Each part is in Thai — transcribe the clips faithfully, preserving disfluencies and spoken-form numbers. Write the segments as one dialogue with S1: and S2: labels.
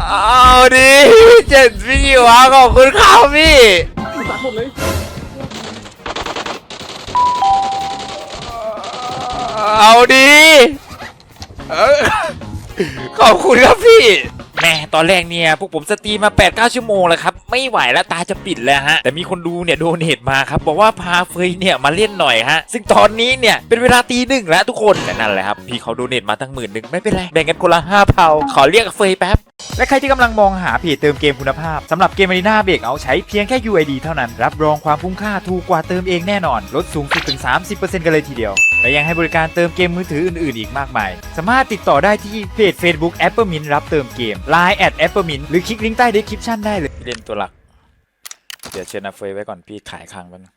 S1: เอาดิเจ็ดพี่วะขอบคุณครับพี่
S2: ตัดหมดเลย
S1: เอาดิขอบคุณครับพี่แม่ตอนแรกเนี่ยพวกผมสตรีมมา แปดเก้า ชั่วโมงแล้วครับไม่ไหวแล้วตาจะปิดแล้วฮะแต่มีคนดูเนี่ยโดเนทมาครับบอกว่าพาเฟยเนี่ยมาเล่นหน่อยฮะซึ่งตอนนี้เนี่ยเป็นเวลาตีหนึ่งแล้วทุกคนแต่นั่นแหละครับพี่เขาโดเนทมาตั้งหมื่นหนึ่งไม่เป็นไรแบ่งกันคนละห้าเผาขอเรียกเฟยแป๊บและใครที่กำลังมองหาเพจเติมเกมคุณภาพสำหรับเกม Arena Break เอาใช้เพียงแค่ ยู ไอ ดี เท่านั้นรับรองความคุ้มค่าถูกกว่าเติมเองแน่นอนลดสูงสุดถึง สามสิบเปอร์เซ็นต์ กันเลยทีเดียวและยังให้บริการเติมเกมมือถืออื่นๆอีกมากมายสามารถติดต่อได้ที่เพจ Facebook Appermint รับเติมเกม ไลน์ แอท Appermint หรือคลิกลิงก์ใต้ description ได้เลยเล่นตัวหลักเดี๋ยวเชิญอาเฟยไว้ก่อนพี่ขายค้างมัน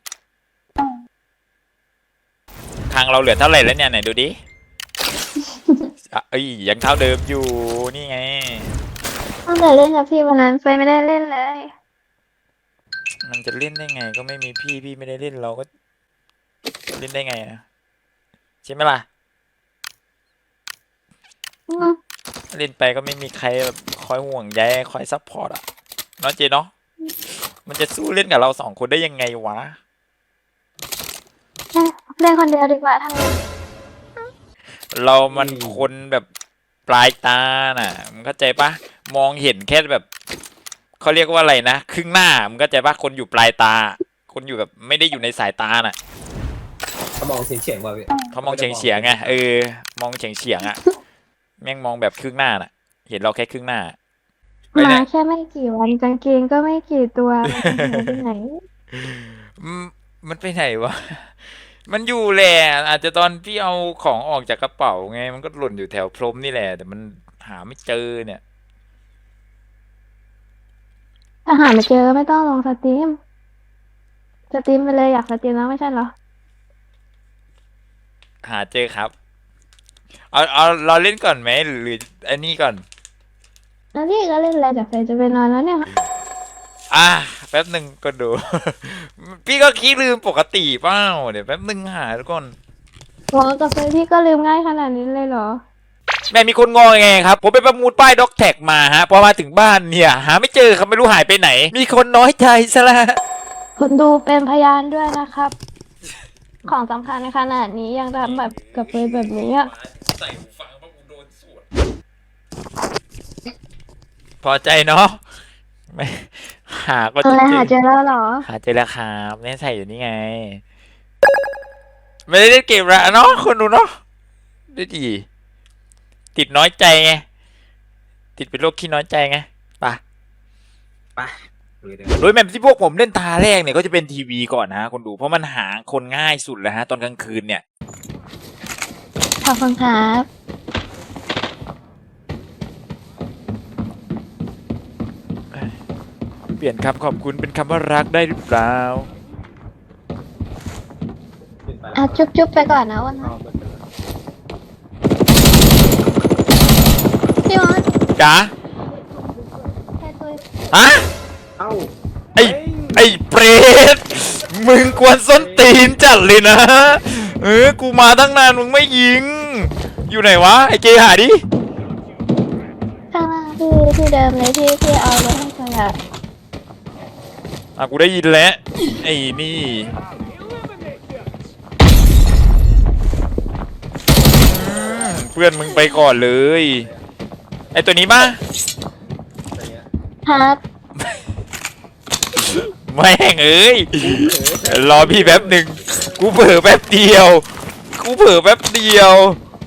S1: ค้างเราเหลือเท่าไหร่แล้วเนี่ยไหนดูดิเอ้ยยังเท่าเดิมอยู่นี่ไง
S3: ตั้งแต่เล่นกับพี่วันนั้นเฟยไม่ได้เล่นเลย
S1: มันจะเล่นได้ไงก็ไม่มีพี่พี่ไม่ได้เล่นเราก็เล่นได้ไงนะใช่ไหมล่ะเล่นไปก็ไม่มีใครแบบคอยห่วงใยคอยซัพพอร์ตอ่ะเนาะเจเนาะมันจะสู้เล่นกับเราสองคนได้ยังไงวะ
S3: เล่นคนเดียวดีกว่าทั้งนี้
S1: เรามันคนแบบปลายตาน่ะมึงเข้าใจปะมองเห็นแค่แบบเขาเรียกว่าอะไรนะครึ่งหน้ามึงเข้าใจปะคนอยู่ปลายตาคนอยู่แบบไม่ได้อยู่ในสายตาน่ะ
S2: เขามองเฉียงเฉียงว่ะพี่
S1: เขามองเฉียงเฉียงไงเออมองเฉียงเฉียงอ่ะแม่งมองแบบครึ่งหน้าน่ะเห็นเราแค่ครึ่งหน้า
S3: มาแค่ไม่กี่วันกางเกงก็ไม่กี่ตัวมันไปไหน
S1: มันไปไหนวะมันอยู่แหละอาจจะตอนพี่เอาของออกจากกระเป๋าไงมันก็หล่นอยู่แถวพรมนี่แหละแต่มันหาไม่เจอเนี่ย
S3: ถ้าหาไม่เจอไม่ต้องลงสตรีมสตรีมไปเลยอยากสตรีมแล้วไม่ใช่เหรอ
S1: หาเจอครับเอาเอาเราเล่นก่อนไหมหรืออันนี้ก่อน
S3: แล้วนี่ก็เล่นอะไรแต่เฟยจะไปนอนแล้วเนี่ย
S1: อ่ะแป๊บหนึ่งก็ดูพี่ก็คิดลืมปกติเปล่าเดี๋ยวแป๊บหนึ่งหาทุกคน
S3: โอ้กับเฟยพี่ก็ลืมง่ายขนาดนี้เลยเหรอ
S1: แม่มีคนงอไงครับผมไปประมูลป้ายด็อกแท็กมาฮะพอมาถึงบ้านเนี่ยหาไม่เจอครับไม่รู้หายไปไหนมีคนน้อยใจซะละ
S3: คุณดูเป็นพยานด้วยนะครับของสำคัญในขนาดนี้ยังทำแบบกับเฟยแบบนี้อ่ะ
S1: ใส่หูฟังเพราะกูโดนสวดพอใจเนาะไม่หาก็
S3: อะไรหาเจอแล้วเหรอ
S1: หาเจอแล้วครับแม่ใส่อยู่นี่ไงไม่ได้เล่นเกมละเนาะคนดูเนาะได้ดีติดน้อยใจไงติดเป็นโรคขี้น้อยใจไงป่ะ
S2: ป่ะ
S1: โดยแมปที่พวกผมเล่นตาแรกเนี่ยก็จะเป็นทีวีก่อนนะคนดูเพราะมันหาคนง่ายสุดแล้วฮะตอนกลางคืนเนี่ย
S3: ขอบคุณครับ
S1: เปลี่ยนคำขอบคุณเป็นคำว่ารักได้หรือเปล่า
S3: อ่ะจุ๊บจุ๊บไปก่อนนะวันนี้พี่มอส
S1: จ๋าฮะ
S2: เอ้า
S1: ไอ้ไอ้เปรตมึงกวนส้นตีนจัดเลยนะเออกูมาตั้งนานมึงไม่ยิงอยู่ไหนวะไอ้เจหาดิ
S3: ข้างล่างที่ที่เดิมเลยที่ที่เอาไว้ให้คนละ
S1: อ่ะกูได้ยินแล้วไอ้นี่เพื่อนมึงไปก่อนเลยไอ้ตัวนี้ป่ะ
S3: ครับ
S1: แม่งเอ้ยรอพี่แป๊บหนึ่งกูเผลอแป๊บเดียวกูเผลอแป๊บเดียว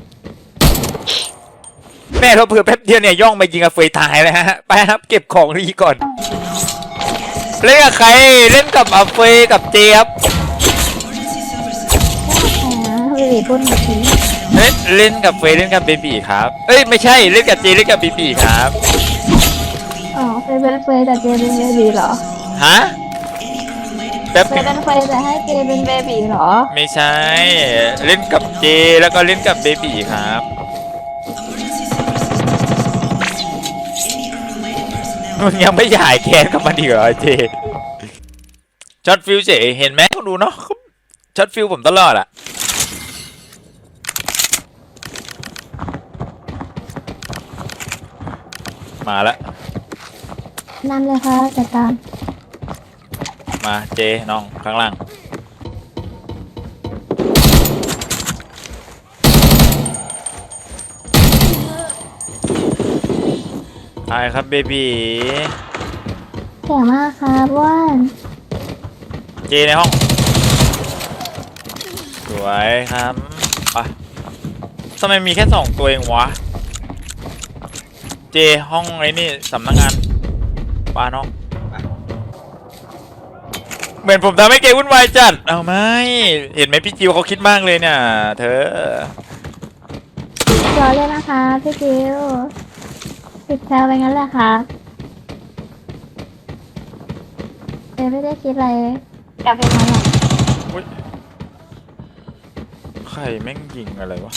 S1: แม่เราเผลอแป๊บเดียวเนี่ยย่องไปยิงกับเฟยตายเลยฮะไปครับเก็บของดีก่อนเล่นกับใครเล่นกับอาเฟยกับเจครับ
S3: เบบีพูดแบบนี้
S1: เล่นเล่นกับเฟยเล่นกับเบบีครับเอ้ยไม่ใช่เล่นกับเจเล่นกับเบบีครับ
S3: อ๋อเฟยเป็นเฟยแต่เจเป็นเบบีเหรอ
S1: ฮะแป๊บ
S3: เฟยเป็นเฟยแต่ให้เจเป็นเบบีเหรอ
S1: ไม่ใช่เล่นกับเจแล้วก็เล่นกับเบบีครับมึงยังไม่หายแค้นกับมันอีกเหรอเจช็อตฟิวเฉยเห็นไหมดูเนาะช็อตฟิวผมตลอดอะมาแล้ว
S3: นำเลยค่ะจัดการ
S1: มาเจน้องข้างล่างตายครับเบบี
S3: เก่งมากครับว่าน
S1: เจในห้องสวยครับไปทำไมมีแค่สองตัวเองวะเจห้องไอ้นี่สำนักงานปาน้องเหมือนผมทำให้เกวุ่นวายจัดเอาไหมเห็นไหมพี่จิวเขาคิดมากเลยเนี่ยเธอ
S3: รอเลยนะคะพี่จิวติดแซวไปงั้นแหละครับเอไม่ได้คิดอะไรกลับไปนอนหลับ
S1: อุ๊ยใครแม่งยิงอะไรวะ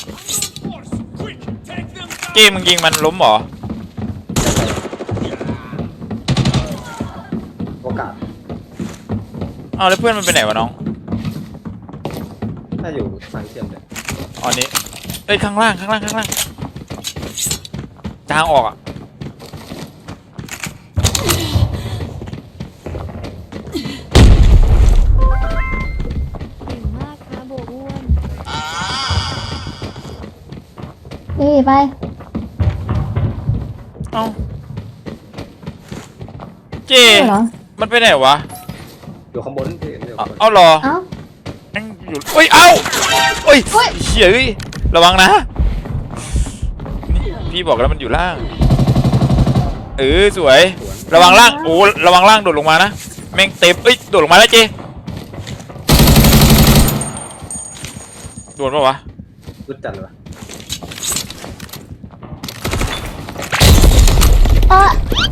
S1: เกมมึงยิงมันล้มเหรอ
S2: โอกาส
S1: เอาแล้วเพื่อนมันไปไหนวะน้อง
S2: ถ้าอยู่ฝั่งเชื่อมเลย
S1: อ๋อนี้เอ้ยข้างล่างข้างล่างข้างล่างทางออกอ่ะ
S4: เก่งมากค่ะโบอ้วน
S3: นี่ไป
S1: เอ้าเจ
S3: เหรอ
S1: มันไปไหนวะ
S2: อยู่ข้างบนพี่อยู่
S1: เอา
S2: ข้างบน
S1: เอาเหรอ
S3: เอ้า
S1: แม่งอยู่เอ้ยเอ้าเอ้ย
S3: เฮ้ย
S1: เหี้ยเอ้ยระวังนะนี่พี่บอกแล้วมันอยู่ล่างเออสวย ระวังล่างโอ้ระวังล่างโดดลงมานะแม่งเต็มเอ้ยโดดลงมาแล้วเจโดนปะวะ
S2: รุดจัดเลยวะ
S3: เออ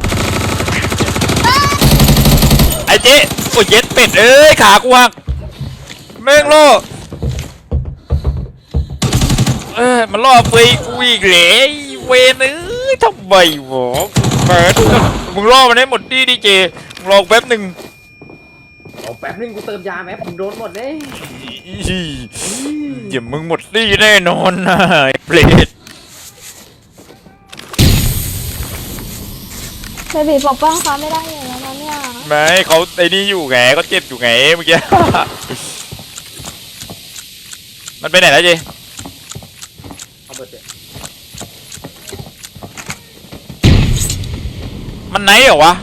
S1: ไอ้เจ๊โอ้ยเย็ดเป็ดเอ้ยขากูหักแม่งล่อเอ้ยมันล่อเฟยกูอีกเหลยเวนเอ้ยทำไมวะเปิดมึงล่อมันให้หมดดิดิเจมึงรอแป๊บหนึ่ง
S2: เอาแป๊บนึงกูเติมยาแม่ผมโดนหมดเลย
S1: อย่ามึงหมดดิแน่นอนนะไอ้เปรต
S3: เบบีปกป้องเขาไม่ได้อยู่แล้วนะเนี่ย
S1: ไม่เขาไอ้นี่อยู่ไงก็เจ็บอยู่ไงเมื่อกี้ มันไปไหนแล้วเจ
S2: เอาเบิดเลย
S1: มันไหนเหรอวะ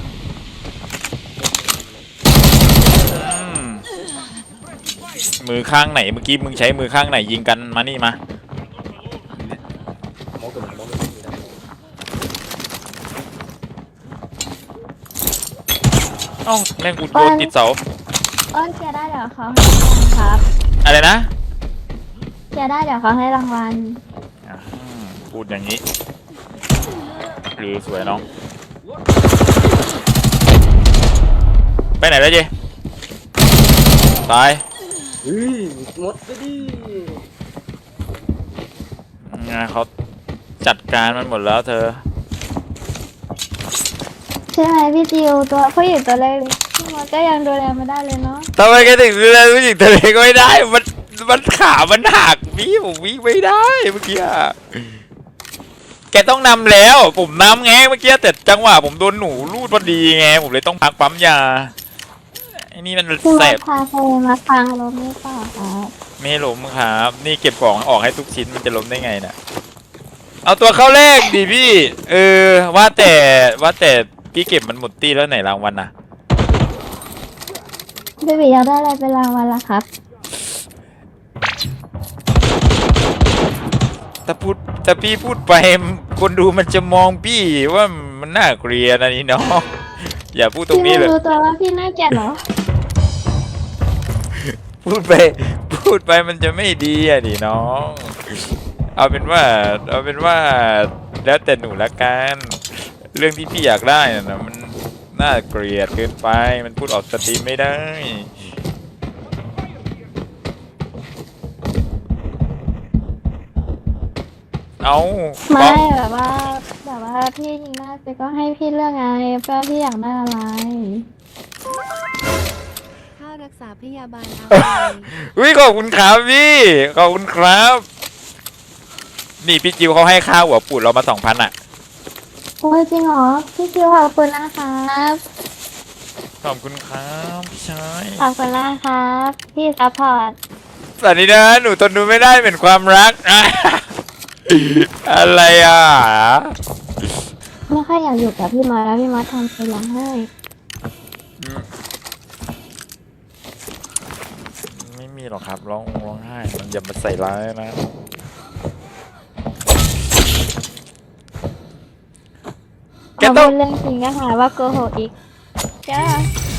S1: อืมมือข้างไหนเมื่อกี้มึงใช้มือข้างไหนยิงกันมานี่มา
S2: มองตัวมันมองตัวมัน
S1: เอ้าแม่งกูโดนติดเสา
S3: อ้อนเกียร์ได้เดี๋ยวเขาให้รางวัลครับ
S1: อะไรนะ
S3: เกียร์ได้เดี๋ยวเขาให้รางวัล
S1: อ่าพูดอย่างนี้หรือสวยน้องไปไหนแล้วเจตาย
S2: เฮ้ยหมดไปดิ
S1: งานเขาจัดการมันหมดแล้วเธอ
S3: ใช่ไหมพี่จิวตัวผู้หญิงตัวเล็กพี่มดก็ยังดูแลไม่ได้เลยเนาะ
S1: ทำไมแกถึงดูแลผู้หญิงทะเลก็ไม่ได้ มัน มันขา มันหักพี่ผมวิ่งไม่ได้เมื่อกี้อะแกต้องนำแล้ว ผมนำไงเมื่อกี้แต่จังหวะผมโดนหนูลูดพอดีไง ผมเลยต้องพักปั๊มยา ไอ้นี่มัน
S3: พี่ม
S1: แส
S3: ด
S1: บ
S3: พาใครมาฟังลมนี่เปล่าครับ
S1: ไม่ให้ล้มครับ นี่เก็บของออกให้ทุกชิ้นมันจะล้มได้ไงน่ะ เอาตัวเข้าแรกดิพี่ เออ ว่าแต่ว่าแต่พี่เก็บมันหมดตี้แล้วไหนรางวัลน่ะ
S3: เบบีอยากได้อะไรเป็นรางวัลล่ะครับ
S1: ถ้าพูดถ้าพี่พูดไปคนดูมันจะมองพี่ว่ามันน่าเกลียดนะนี่เนาะ อย่าพูดตรง
S3: พี่
S1: นี้
S3: ไม่
S1: เลย
S3: รู้ตัวว่าพี่น่าเกลียดเหรอ
S1: พูดไปพูดไปมันจะไม่ดีอ่ะดิน้อง เอาเป็นว่าเอาเป็นว่าแล้วแต่หนูละกันเรื่องที่พี่อยากได้น่ะนะมันน่าเกลียดเกินไปมันพูดออกสตรีมไม่ได้ เอา
S3: ไม่แบบว่าแบบว่าพี่ยิงได้ไปก็ให้พี่เลือกไงว่าพี่อยากได้อะไร
S4: ค่ารักษาพยาบาลเอา
S1: อุ้ยขอบคุณครับพี่ขอบคุณครับ นี่พี่จิวเขาให้ค่าหัวปูดเรามาสองพันอ่ะ
S3: โอ้ยจริงเหรอพี่คิวขอบคุณนะครับ
S1: ขอบคุณครับพี่ชาย
S3: ขอบคุณนะครับพี่ซัพพอร์ต
S1: สวัสดีนะหนูทนดูไม่ได้เป็นความรัก อะไรอ่ะ
S3: ไม่ค่อยอยากอยู่กับพี่มอสแล้วพี่มอสทำไปร้องไห้
S1: ไม่มีหรอกครับร้องร้องไห้มันอย่ามาใส่ร้ายนะ แก
S3: เอา
S1: ต้อง
S3: พูดเรื่องจริงก็หาว่าโกหกอีกจ้า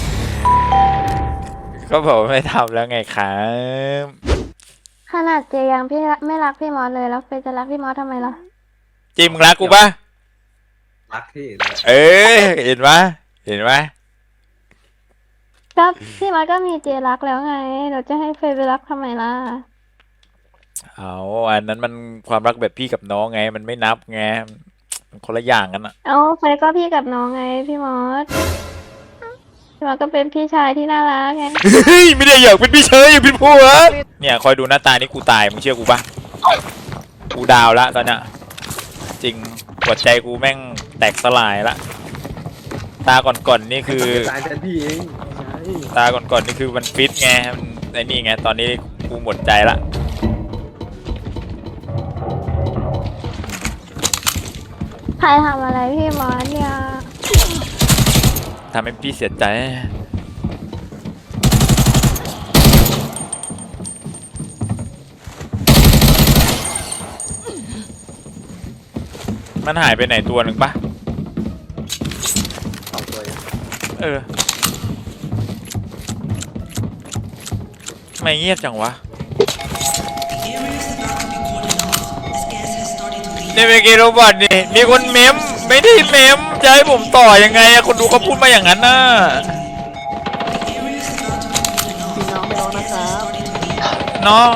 S1: ก็บอกว่าไม่ทำแล้วไงครับ
S3: ขนาดเจยังพี่รักไม่รักพี่มอสเลยแล้วเฟยจะรักพี่มอสทำไมล่ะ
S1: จิมมึงรักกูปะ
S2: รักที่
S1: เอ้ยเห็นปะเห็นปะ
S3: ก็พี่มอสก็มีเจรักแล้วไงเราจะให้เฟยไปรักทำไมล่ะ
S1: เอาอันนั้นมันความรักแบบพี่กับน้องไงมันไม่นับไงมันคนละอย่างกันอะ
S3: เอาเฟยก็พี่กับน้องไงพี่มอสพี่มอสก็เป็นพี่ชายที่น่ารักไง
S1: เฮ้ยไม่ได้อยากเป็นพี่เชยอยากเป็นผัวเนี่ยคอยดูหน้าตานี่กูตายมึงเชื่อกูปะกูดาวละตอนเนี้ยจริงหัวใจกูแม่งแตกสลายละตาก่อนๆนี่คือ
S2: ตายแทนพี่เองใช่
S1: ตาก่อนๆนี่คือมันฟิตไงมันไอ้นี่ไงตอนนี้กูหมดใจละ
S3: ใครทำอะไรพี่มอสเนี่ย
S1: ทำให้พี่เสียใจมันหายไปไหนตัวหนึ่งปะ
S2: สองตัวเอง
S1: เออไม่เงียบจังวะนี่เมื่อกี้โรบอทนี่มีคนเมมไม่ได้เมมจะให้ผมต่อยังไงอะคนดูเขาพูดมาอย่างนั้นน่ะ
S2: พี่น้องไม่ร้องนะครับ
S1: เนาะ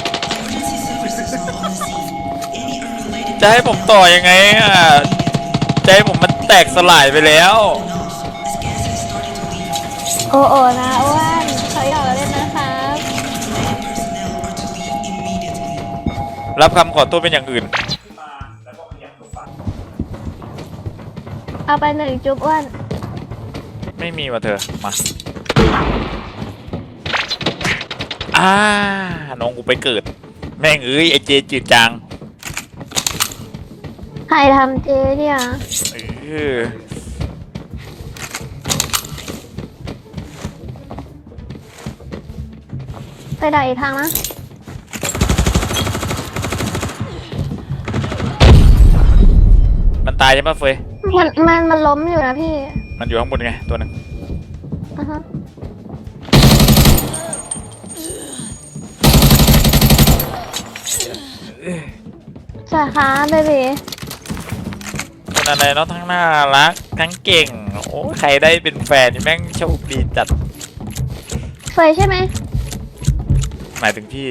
S1: จะให้ผมต่อยังไงอะใจผมมันแตกสลายไปแล้ว
S3: โอโอนะอ้วนเขาหยอกเราเล่นนะครับ
S1: รับคำขอโทษเป็นอย่างอื่น
S3: เอาไปหนึ่งจุ๊บอ้วน
S1: ไม่มีว่ะเธอมาอ่าน้องกูไปเกิด แม่งเอ้ยไอเจจืดจาง
S3: ใครทำเจเนี่ย
S1: เออ
S3: ไปด่าอีกทางนะ
S1: มันตายใช่ปะเฟย
S3: มันมันมันล้มอยู่นะพี่
S1: มันอยู่ข้างบนไงตัวหนึ่ง
S3: อ่ะฮะสวัสดีค่ะเบบี
S1: คนอะไรเนาะทั้งน่ารักทั้งเก่งโอ้ใครได้เป็นแฟนนี่แม่งโชคดีจัด
S3: เฟยใช่ไหม
S1: หมายถึงพี่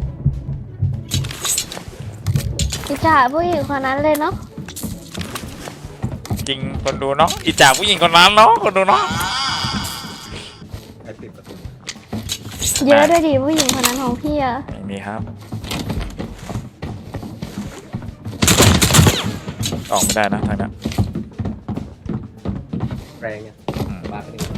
S3: อิจฉาผู้หญิงคนนั้นเลยเนาะ
S1: จริงคนดูเนาะอิจฉาผู้หญิงคนนั้นเนาะคนดูเนาะ
S2: ไอ้ปิดประตู
S3: เยอะด้วยดิผู้หญิงคนนั้นของพี่อะ
S1: ไม่มีครับออกไม่ได้นะทางนั้น
S2: แรงเนี่ย
S1: อืม
S2: บ้าไปหนึ่ง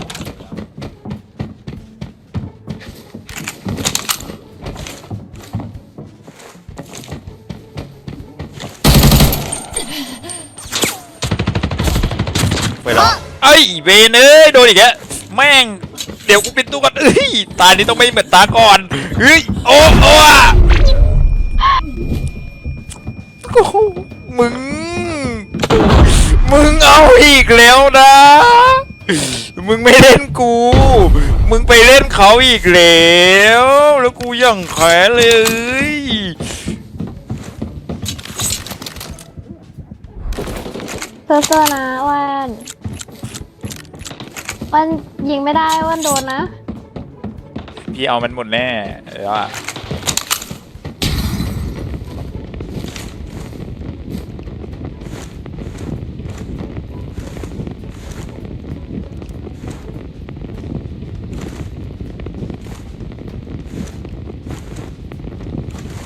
S1: ไปแล้วไอ้ยเวนเอ้ยโดนอีกแล้วแม่งเดี๋ยวกูปิดตู้ก่อนเอ้ยตานี้ต้องไม่เหมือนตาก่อนเฮ้ยโอ้โอ้อะโอ้โหมึง มึงเอาอีกแล้วนะ มึงไม่เล่นกู มึงไปเล่นเขาอีกแล้ว แล้วกูยังแขนเลย
S3: เซอร์ๆนะอ้วนอ้วนยิงไม่ได้อ้วนโดนนะ
S1: พี่เอามันหมดแน่เออว่ะ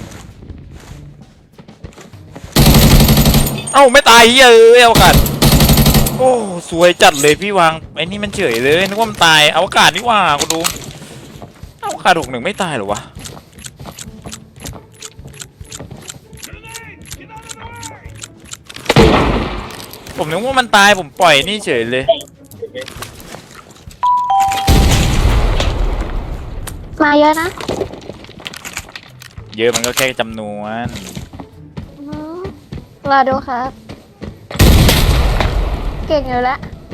S1: เอ้าไม่ตายเฮ้ยเอ้ยเอากันโอ้สวยจัดเลยพี่วางไอ้นี่มันเฉยเลยนึกว่ามันตายอวกาศนี่ว่ากูดูอวกาศหกหนึ่งไม่ตายเหรอวะผมนึกว่ามันตายผมปล่อยนี่เฉยเลย
S3: มาเยอะนะ
S1: เยอะมันก็แค่จำนวน
S3: อืมรอดูครับ เก่งอยู่แล้ว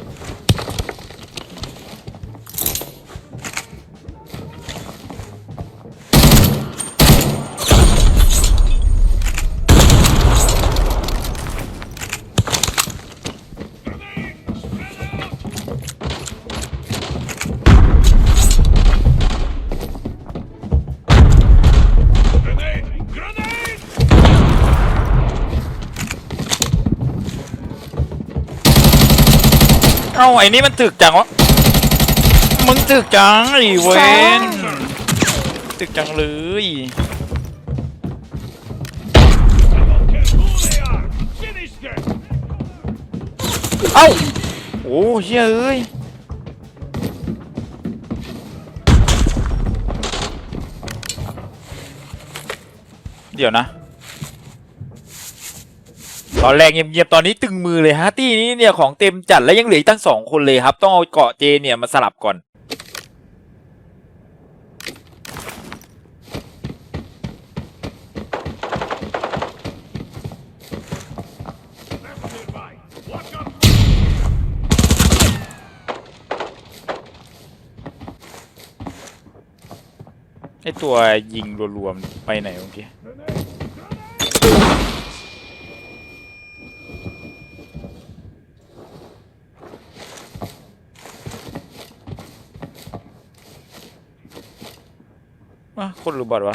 S1: เอ้าไอ้นี่มันถึกจังวะมึงถึกจังไอ้เวนถึกจังเลยเอ้าโอ้เฮ้ยเอ้ยเดี๋ยวนะตอนแรกเงียบๆตอนนี้ตึงมือเลยฮะตี้นี้เนี่ยของเต็มจัดและยังเหลืออีกตั้งสองคนเลยครับต้องเอาเกาะเจเนี่ยมาสลับก่อนไอตัวยิงรวมๆไปไหนเมื่อกี้อ่ะคนรู้บอดวะ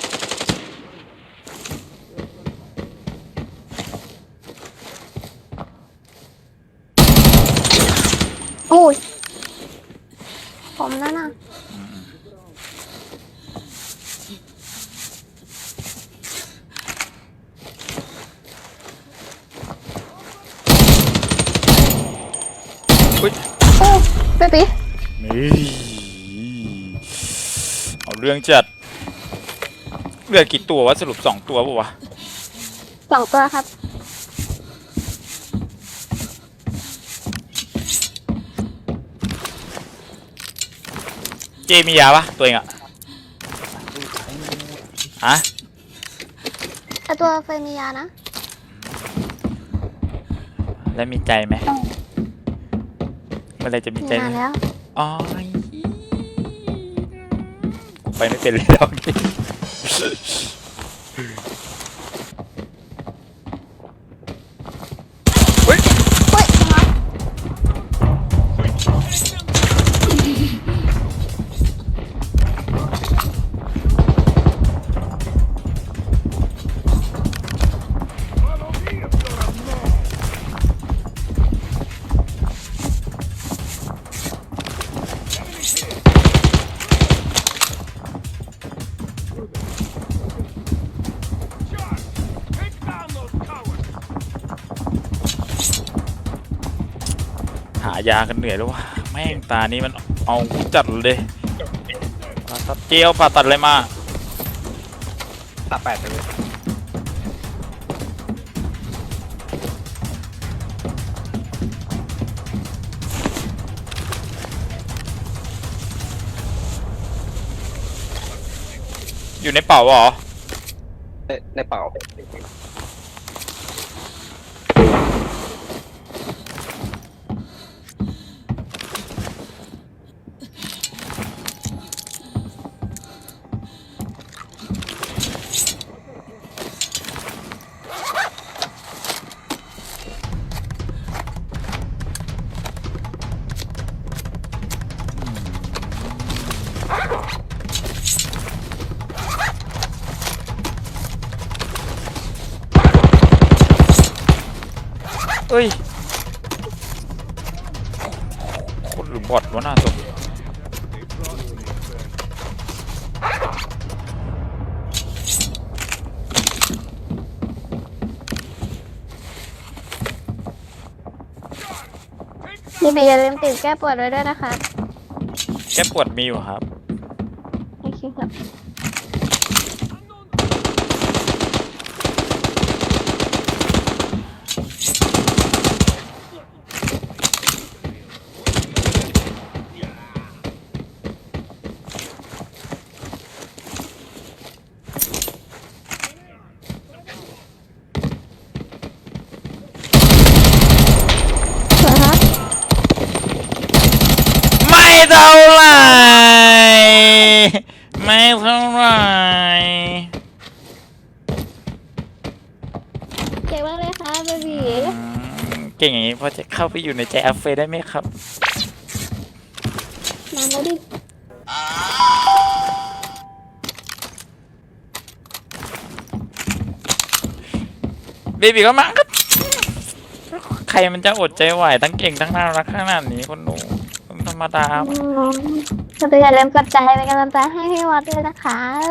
S3: โอ้ย ผมนั่นน่ะ
S1: อุ้ย
S3: โอ้เบบี
S1: นี่เอาเรื่องจัดเหลือกี่ตัววะสรุปสองตัวปะวะ
S3: สองตัวครับ
S1: เจมียาปะตัวเองอะฮะ
S3: แต่ตัวเฟยมียานะ
S1: แล้วมีใจไหมเมื่อไรจะมี
S3: มี
S1: ใจ
S3: นานแล้ว
S1: อ๋อกูไปไม่เป็นเลยตอนนี้เฮ้ย
S3: เฮ้ยทำไม
S1: หายากันเหนื่อยแล้ววะแม่งตานี้มันเอากูจัดเลยผ่าตัดเจลผ่าตัดอะไรมา
S2: ตาแปดไปเลย
S1: อยู่ในเป่าเหรอ
S2: ในในเป่า
S1: เอ้ยคนหรือบอทวะหน้าศพ
S3: พี่บีอย่าลืมติดแก้ปวดไว้ด้วยนะคะ
S1: แก้ปวดมีอยู่ครับ
S3: โอเคครับ สวยครับ
S1: ไม่เท่าไหร่ไม่เท่าไหร่
S3: เก่งมากเลยค่ะเบบี
S1: อืมเก่งอย่างนี้พอจะเข้าไปอยู่ในใจอัฟเฟย์ได้ไหมครับ
S3: มาแล้วดิ
S1: เบบีก็มาครับใครมันจะอดใจไหวทั้งเก่งทั้งน่ารักขนาดนี้คนหนูคนธรรมดา
S3: อืมก็อย่าลืมกดใจเป็นกำลังใจให้พี่วัดด้วยนะคะ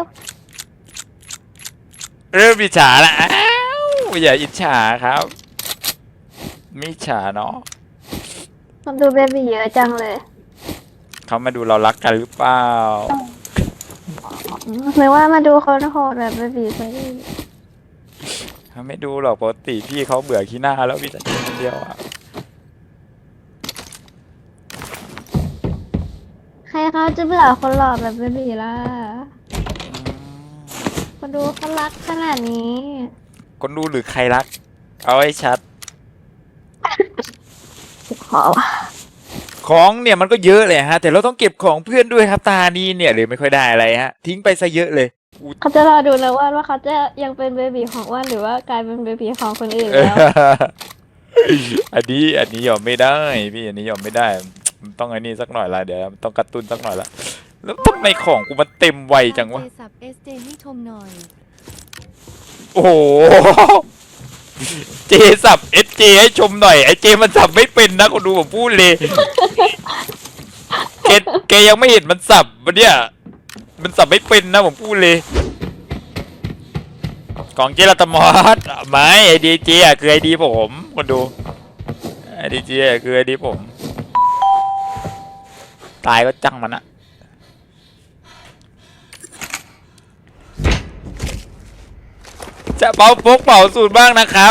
S1: เริ่มอิจฉาละอ้าวอย่าอิจฉาครับไม่อิจฉาเนาะ
S3: ผมดูเบบีเยอะจังเลย
S1: เขามาดูเรารักกันหรือเปล่า
S3: หรือว่ามาดูคนโหดแบบเบบีซะอีก
S1: เขาไม่ดูหรอกปกติพี่เขาเบื่อขี้หน้าแล้วพี่จะกินคนเดียวอ่ะ
S3: ใครเขาจะเบื่อคนหล่อแบบเบบีล่ะ
S1: อืม
S3: มาดูเขารักขนาดนี้
S1: คนดูหรือใครรัก เอาให้ชัด
S3: ขอว่ะ
S1: ของเนี่ยมันก็เยอะเลยฮะ แต่เราต้องเก็บของเพื่อนด้วยครับตานี้เนี่ยเลยไม่ค่อยได้อะไรฮะ ทิ้งไปซะเยอะเลย
S3: เขาจะรอดูนะว่าว่าเขาจะยังเป็นเบบีของอ้วนหรือว่ากลายเป็นเบบีของคนอื่น
S1: เออ
S3: แล้ว
S1: อันนี้อันนี้ยอมไม่ได้พี่อันนี้ยอมไม่ได้มันต้องไอ้นี่สักหน่อยละเดี๋ยวมันต้องกระตุ้นสักหน่อยละแล้วทำไมของกูมันเต็มไวจังวะ
S4: เจสับ เอส เจ ให้ชมหน่อย
S1: โอ้โห เจสับเอสเจให้ชมหน่อยไอเจมันสับไม่เป็นนะคนดูผมพูดเลยเกแกยังไม่เห็นมันสับมันเนี่ยมันสับไม่เป็นนะผมพูดเลยของเจรัตมอสไม่ไอดีเจอ่ะคือไอดีผมคนดูไอดีเจอ่ะคือไอดีผม ตายก็จังมันอะจะเป่าพกเป่าสูตรบ้างนะครับ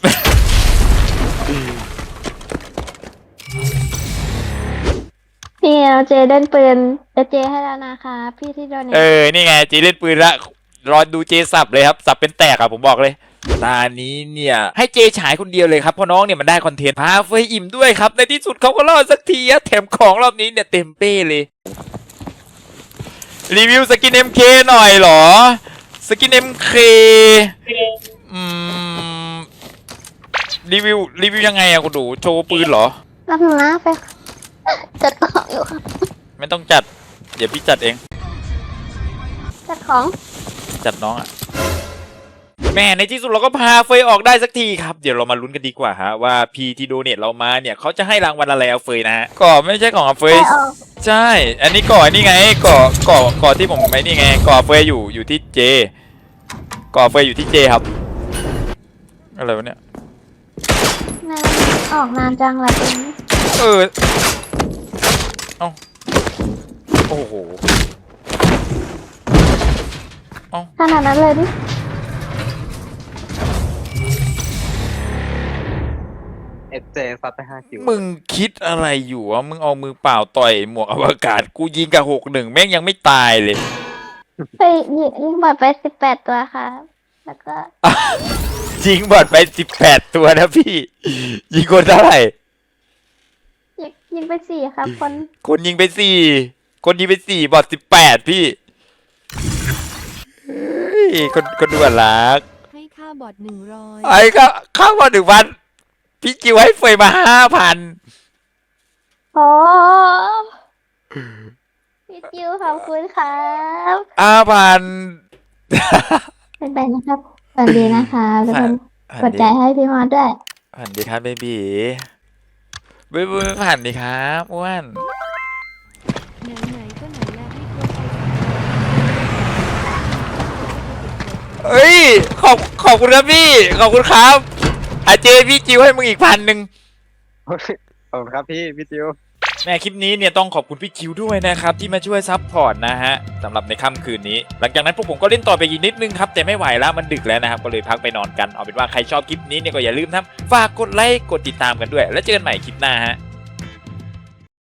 S3: พี่เราเจเล่นปืนจะเจให้แล้วนะคะพี่ที่โดน
S1: เออ นี่ไงจีเล่นปืนละ รอดูเจสับเลยครับ สับเป็นแตกอะผมบอกเลย ตานี้เนี่ยให้เจฉายคนเดียวเลยครับเพราะน้องเนี่ยมันได้คอนเทนต์พาเฟยอิ่มด้วยครับ ในที่สุดเขาก็รอดสักทีอะแถมของรอบนี้เนี่ยเต็มเป้เลย รีวิวสกิน เอ็ม เค หน่อยเหรอ สกิน เอ็ม เค อืม รีวิว รีวิวยังไงอะคุณดู โชว์ปืนเหรอ
S3: รับหนูนะไปจัดของอยู่ค่ะ
S1: ไม่ต้องจัด เดี๋ยวพี่จัดเอง
S3: จัดของ
S1: จัดน้องอะแม่ในที่สุดเราก็พาเฟยออกได้สักทีครับ เดี๋ยวเรามาลุ้นกันดีกว่าฮะว่าพีที่โดเนทเรามาเนี่ยเขาจะให้รางวัลอะไรเอาเฟยนะฮะก่อไม่ใช่ของเอาเฟย
S3: ไปออก
S1: ใช่ อันนี้ก่อนี่ไงก่อก่อก่อที่ผมไม่นี่ไงก่อเฟยอยู่อยู่ที่เจก่อเฟยอยู่ที่เจครับอะไรวะเนี่ย
S3: นานออกนานจังละเป็น
S1: เออเอ้าโอ้โห
S3: ขนาดนั้นเลยดิ
S2: เอสเจซัดไปห้าคิว
S1: มึงคิดอะไรอยู่วะมึงเอามือเปล่าต่อยหมวกอวกาศกูยิงกับหกหนึ่งแม่งยังไม่ตายเลย
S3: ไปยิงยิงบอดไปสิบแปดตัวค่ะ แล้วก็
S1: ยิงบอดไปสิบแปดตัวนะพี่ ยิงคนเท่าไหร่
S3: ยิงยิงไปสี่ครับคน
S1: คนยิงไปสี่คนยิงไปสี่บอดสิบแปดพี่เฮ้ยคนคนดูอะรัก
S4: ให้ค่าบอดหนึ่งร้อย
S1: ไอ้ก็เข้ามาหนึ่งพันพี่จิวให้เฟยมาห้าพัน
S3: โอ้พี่จิวขอบคุณครับ
S1: ห้าพัน
S3: เป็นไปนะครับสวัสดีนะคะทุกคนกดใจให้พี่มอสด้วย
S1: ผ่านดีครับเบบีเบบีผ่านดีครับอ้วน
S4: ไหนๆก็ไหนแล้วให้ครบไป
S1: เอ้ยขอบขอบคุณครับพี่ขอบคุณครับอาเจพี่จิวให้มึงอีกพันหนึ่ง
S5: ขอบคุณครับพี่พี่ติว
S1: แม่คลิปนี้เนี่ยต้องขอบคุณพี่คิวด้วยนะครับที่มาช่วยซัพพอร์ตนะฮะสำหรับในค่ำคืนนี้ หลังจากนั้นพวกผมก็เล่นต่อไปอีกนิดนึงครับแต่ไม่ไหวแล้วมันดึกแล้วนะครับก็เลยพักไปนอนกันเอาเป็นว่าใครชอบคลิปนี้เนี่ยก็อย่าลืมนะฝากกดไลค์กดติดตามกันด้วย แล้วเจอกันใหม่คลิปหน้าฮะ